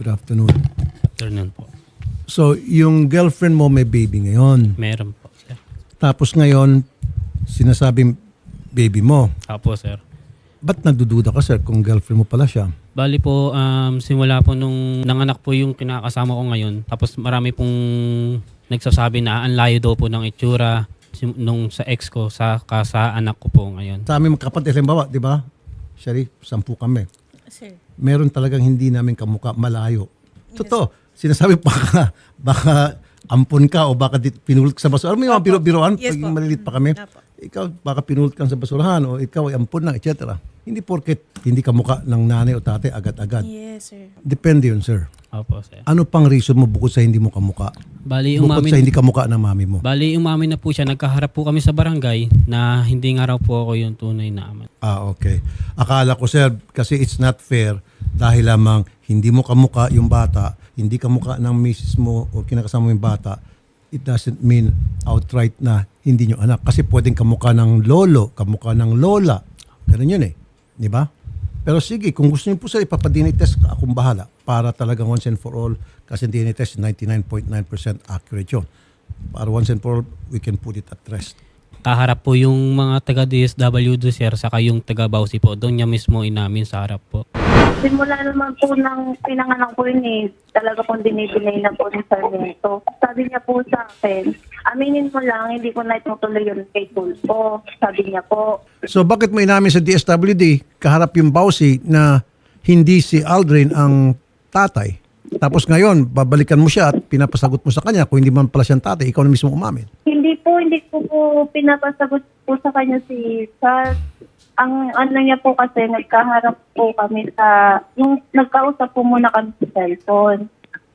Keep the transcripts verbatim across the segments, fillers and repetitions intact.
Good afternoon. Afternoon po. So, yung girlfriend mo may baby ngayon. Meron po, sir. Tapos ngayon, sinasabing baby mo. Apo, sir. Ba't nagdududa ka, sir, kung girlfriend mo pala siya? Bali po, um, simula po nung nanganak po yung kinakasama ko ngayon. Tapos marami pong nagsasabi na ang layo daw po ng itsura sim- nung sa ex ko sa, ka, sa anak ko po ngayon. Sa aming magkapatid, halimbawa, di ba? Sherry, sampu kami. Sir. Meron talagang hindi namin kamuka, malayo. Totoo. Sinasabi baka, baka ampun ka o baka di- pinulot ka sa basura. Alam mo yung mga biro-biroan, Yes pag po. malilit pa kami. Apo. Ikaw, baka pinulot ka sa basurahan o ikaw ay ampun na, et cetera. Hindi porket hindi ka mukha ng nanay o tatay agad-agad. Yes, sir. Depende yun, sir. Opo, sir. Ano pang reason mo bukod sa hindi mo kamuka? Bali, Bukod sa umamin, hindi kamuka ng mami mo? bali, umamin na po siya. Nagkaharap po kami sa barangay na hindi nga raw po ako yung tunay na ama. Ah, okay. Akala ko, sir, kasi it's not fair dahil lamang hindi mo kamuka yung bata, hindi kamuka ng misis mo o kinakasama mo yung bata, it doesn't mean outright na hindi nyo anak. Kasi pwedeng kamuka ng lolo, kamuka ng lola. Ganun yun eh. Di ba? Pero sige, kung gusto niyo po sir, ipapa-D N A test, akong bahala para talagang once and for all, kasi D N A test ninety-nine point nine percent accurate yun. Para once and for all, we can put it at rest. Kaharap po yung mga taga-D S W do, sir, saka yung taga-Bausi po. Doon niya mismo inamin sa harap po. Simula naman po ng pinanganak ko yun eh, talaga pong dinidinay na po ni Sarmiento. Sabi niya po sa akin, aminin mo lang, hindi ko na itutuloy yun kay Tulfo. Sabi niya po. So bakit mo inamin sa D S W D, kaharap yung Bausi, na hindi si Aldrin ang tatay? Tapos ngayon, babalikan mo siya at pinapasagot mo sa kanya kung hindi man pala siyang tatay, ikaw na mismo umamin. Hindi po, hindi ko po pinapasagot po sa kanya si Sar. Ang ano niya po kasi, nagkaharap po kami sa, yung nagkausap po muna kami sa cellphone.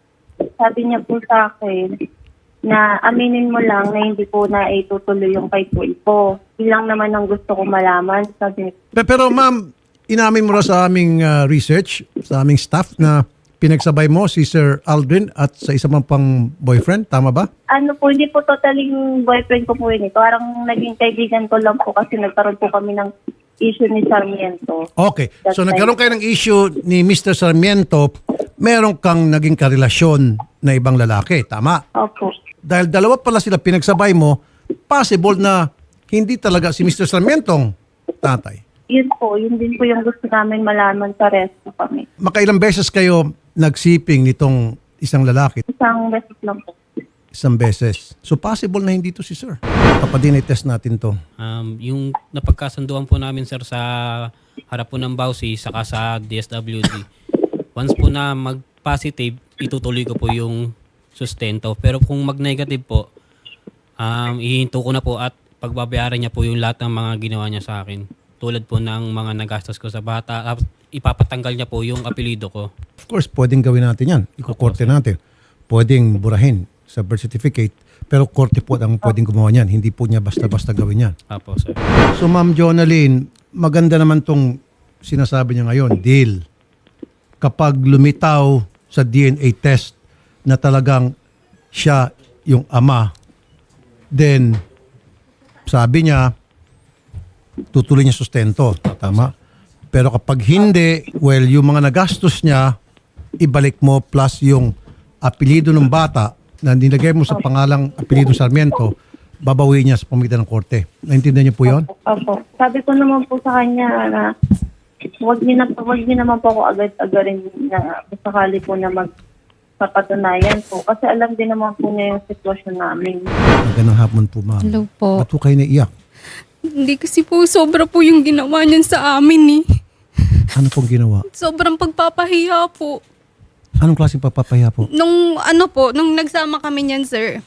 Sabi niya po sa akin na aminin mo lang na hindi po na itutuloy yung kay Tulfo. Ilang naman ang gusto ko malaman. Sabi niya, Pe- Pero ma'am, inamin mo na sa aming uh, research, sa aming staff na pinagsabay mo si Sir Aldrin at sa isa man pang boyfriend, tama ba? ano po, hindi po totaling boyfriend ko po yun. Eh. Parang naging kaibigan ko lang po kasi nagkaroon po kami ng issue ni Sarmiento. Okay. So That's nagkaroon kayo ng issue ni Mister Sarmiento, meron kang naging karelasyon na ibang lalaki, tama? Opo. Dahil dalawa pala sila pinagsabay mo, possible na hindi talaga si Mister Sarmiento ang tatay. Yun po, yun din po yung gusto namin malaman sa resto kami. Makailang beses kayo nagsiping nitong isang lalaki? Isang beses lang po. Isang beses. So possible na hindi to si Sir. Papadinay test natin to. Um, yung napagkasunduan po namin, sir, sa harap po ng Bausi saka sa D S W D. Once po na mag-positive, itutuloy ko po yung sustento. Pero kung mag-negative po, um, ihinto ko na po at pagbabayaran niya po yung lahat ng mga ginawa niya sa akin. Tulad po ng mga nagastos ko sa bata. At ipapatanggal niya po yung apelido ko. Of course, pwedeng gawin natin yan. Ikukorte natin. Pwedeng burahin sa birth certificate. Pero korte po ang pwedeng gumawa niyan. Hindi po niya basta-basta gawin yan. Apo, sir. So Ma'am Jonalyn, maganda naman tong sinasabi niya ngayon, deal. Kapag lumitaw sa D N A test na talagang siya yung ama, then sabi niya, tutuloy niya sustento. Tama? Pero kapag hindi, well, yung mga nagastos niya, ibalik mo plus yung apelido ng bata na nilagay mo sa pangalang apelido Sarmiento, babawiin niya sa pamagitan ng korte. Naintindihan niyo po yun? Opo. Sabi ko naman po sa kanya na wag niyo na wag niyo naman po ako agad-agarin na sakali po na magpapatunayan po. Kasi alam din naman po niya yung sitwasyon namin. Magandang hapon po, ma'am. Hello po. Ba't po kayo naiyak? Hindi kasi po sobra po yung ginawa niyan sa amin eh. Ano pong ginawa? Sobrang pagpapahiya po. Anong klaseng papapahiya po? Nung ano po, nung nagsama kami niyan, sir.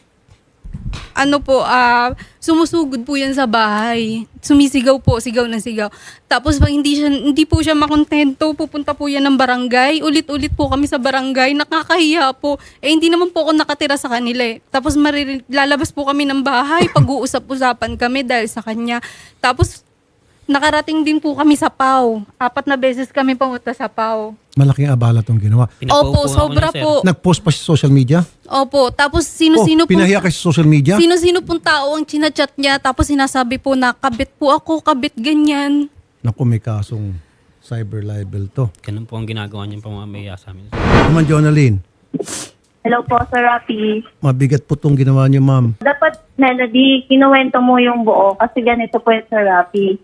Ano po, ah sumusugod po yan sa bahay. Sumisigaw po, sigaw na sigaw. Tapos pag hindi, siya, hindi po siya makontento, pupunta po yan ng barangay. Ulit-ulit po kami sa barangay. Nakakahiya po. Eh hindi naman po ako nakatira sa kanila eh. Tapos mariri- lalabas po kami ng bahay. Pag-uusap-usapan kami dahil sa kanya. Tapos nakarating din po kami sa P A W. Apat na beses kami pumunta sa P A W. Malaking abala tong ginawa. Pinapaupo Opo, ako sobra niya, sir. po. Nag-post pa siya sa social media? Opo, tapos Oh, sino-sino po pinahiya kayo sa social media? sino-sino pong tao ang chinachat niya tapos sinasabi po na kabit po ako, kabit ganyan. Naku, may kasong cyber libel to. Ganun po ang ginagawa niyang pamamaya sa amin. Ma'am Jonalyn, Hello po, Sir Rafi. mabigat po itong ginawa niyo, ma'am. Dapat, Melody, kinuwento mo yung buo kasi ganito po yung Sir Rafi.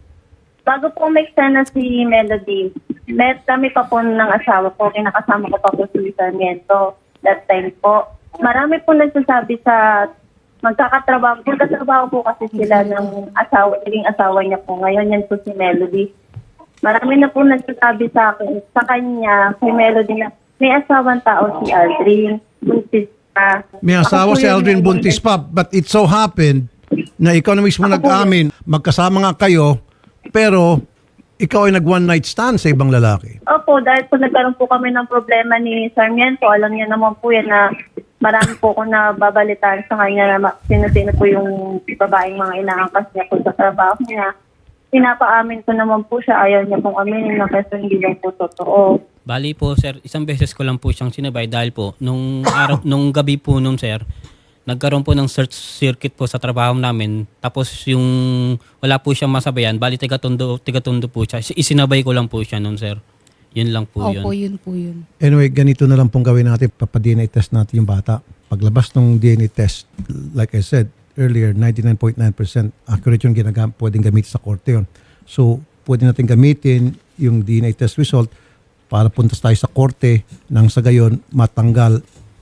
Bago po mag-send na si Melody, met kami pa po ng asawa ko, kinakasama ko pa po si Sarmiento that time po. Marami po nagsasabi sa magkakatrabaho, magkatrabaho po kasi sila ng asawa, naging asawa niya po. Ngayon yan po si Melody. Marami na po nagsasabi sa akin, sa kanya, kay Melody na may asawang tao si Aldrin, buntis pa. May asawa Ako po si yung- Aldrin buntis pa, but it so happened na ikaw na mismo Ako po nag-amin, magkasama nga kayo, pero ikaw ay nag one night stand sa ibang lalaki. Opo, dahil po nagkaroon po kami ng problema ni Sarmiento, alam niya naman po yan na marami po akong nababalitaan sa kanya na ma- sino-sino po yung babaeng mga inaangkas niya po sa trabaho niya. Pinapaamin ko naman po siya, ayaw niya pong aminin na kasi hindi lang po totoo. Bali po sir, isang beses ko lang po siyang sinabay dahil po nung araw, nung gabi po nung sir, nagkaroon po ng search circuit po sa trabaho namin. Tapos yung wala po siyang masabayan, bali tiga-tundo, tiga-tundo po siya. Isinabay ko lang po siya noon sir. Yun lang po yun. Opo, yun po yun. Anyway, ganito na lang pong gawin natin. Papa-D N A test natin yung bata. Paglabas ng D N A test, like I said earlier, ninety-nine point nine percent accurate yung ginagam pwedeng gamitin sa korte yun. So, pwede natin gamitin yung D N A test result para punta tayo sa korte nang sa gayon matanggal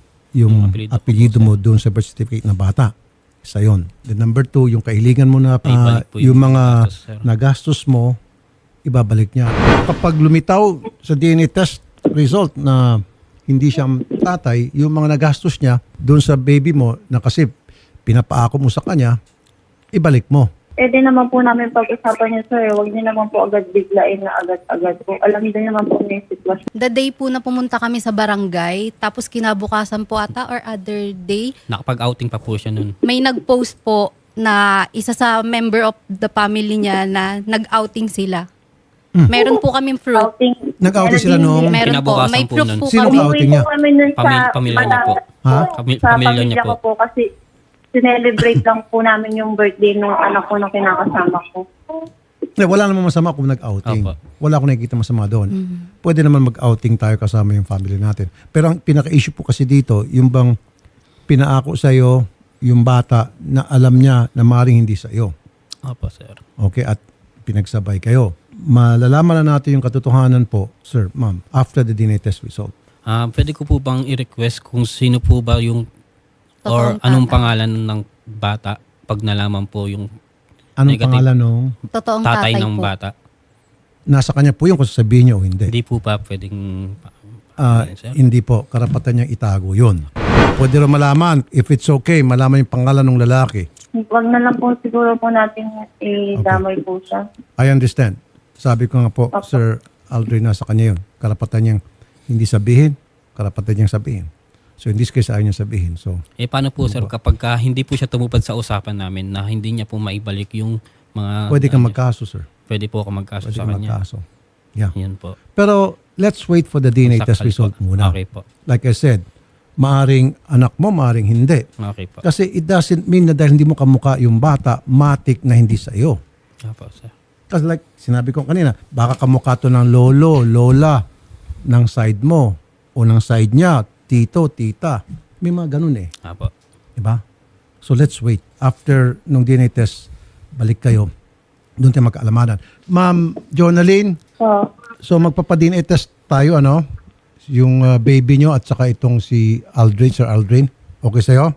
yung Yung apelyido apelyido mo doon sa birth certificate na bata. Isa yun. Then number two, yung kahilingan mo na Ay, ah, balik po yung yung mga gastos, sir. nagastos mo, ibabalik niya. Kapag lumitaw sa D N A test result na hindi siya ang tatay, yung mga nagastos niya doon sa baby mo na kasi pinapaako mo sa kanya, ibalik mo. Pwede naman po namin pag-usapan niya, sir. Huwag niyo naman po agad biglain na agad-agad po. Alam niyo naman po may sitwasyon. The day po na pumunta kami sa barangay, tapos kinabukasan po ata or other day, Nakapag-outing pa po siya noon. may nag-post po na isa sa member of the family niya na nag-outing sila. Meron po kaming proof. Outing. Nag-outing sila nung- Meron po. Kinabukasan May po proof nun. po Sino kami. ka outing niya? Umuwi po kami nun sa Pamil- pamilya niya po. Ha? Pamil- sa pamilya pamilya niya ko po. po kasi sinelebrate lang po namin yung birthday ng anak ko na kinakasama ko. Eh, wala namang masama kung nag-outing. Opo. Wala akong nakikita masama doon. Pwede naman mag-outing tayo kasama yung family natin. Pero ang pinaka-issue po kasi dito, yung bang pinaako sa'yo yung bata na alam niya na maaaring hindi sa'yo. Opo sir. Okay? At pinagsabay kayo. Malalaman na natin yung katotohanan po, sir, ma'am, after the D N A test result. Ah, pwede ko po bang i-request kung sino po ba yung or Totoong anong tatay. pangalan ng bata pag nalaman po yung Anong Negative. pangalan nung Totoong tatay, tatay, ng po. bata? nasa kanya po yung kung sasabihin niya o hindi? Hindi po pa pwedeng Ah, Yes, sir. hindi po. Karapatan niyang itago yun. Pwede rin malaman, if it's okay, malaman yung pangalan ng lalaki. Huwag na lang po siguro po natin i-damay po siya. I understand. Sabi ko nga po, Opo. Sir Aldrin, nasa kanya yun. Karapatan niyang hindi sabihin, karapatan niyang sabihin. So in this case, ayaw niya sabihin. So, Eh paano po sir kapag ka hindi po siya tumupad sa usapan namin na hindi niya po maibalik yung mga pwede kang ano, magkaso, sir. pwede po ako magkaso Pwede sa kang kanya. magkaso. Yeah. Yan po. Pero let's wait for the D N A test Sakal result po. muna. Okay po. Like I said, maaring anak mo, maaring hindi. Okay po. Kasi it doesn't mean na dahil hindi mo kamukha yung bata, matik na hindi sa iyo. Opo sir. Kasi like sinabi ko kanina, baka kamukha to ng lolo, lola, ng side mo, o ng side niya, tito, tita. May mga ganun eh. Opo. Diba? So let's wait. After nung D N A test, balik kayo. Doon tayo magkaalamanan. Ma'am Jonalyn, So, so magpapa-D N A test tayo, ano? Yung uh, baby nyo at saka itong si Aldrin, Sir Aldrin. Okay sa'yo?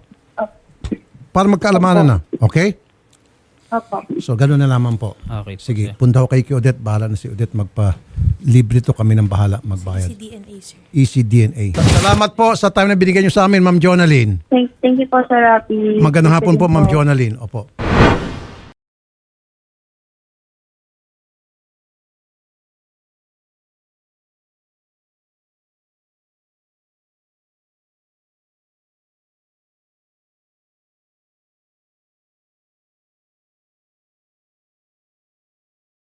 Para magkaalamanan na. Okay? opo. So, gano'n na lamang po. Okay po. Sige, sir. punta ko kay Odette. Bahala na si Odette magpa-libre to. Kami ng bahala magbayad. C D N A, sir. E C D N A. Salamat po sa time na binigyan nyo sa amin, Ma'am Jonalyn. Thank, thank you po, Sir Rafi. Magandang hapon po, Ma'am Jonalyn. Opo.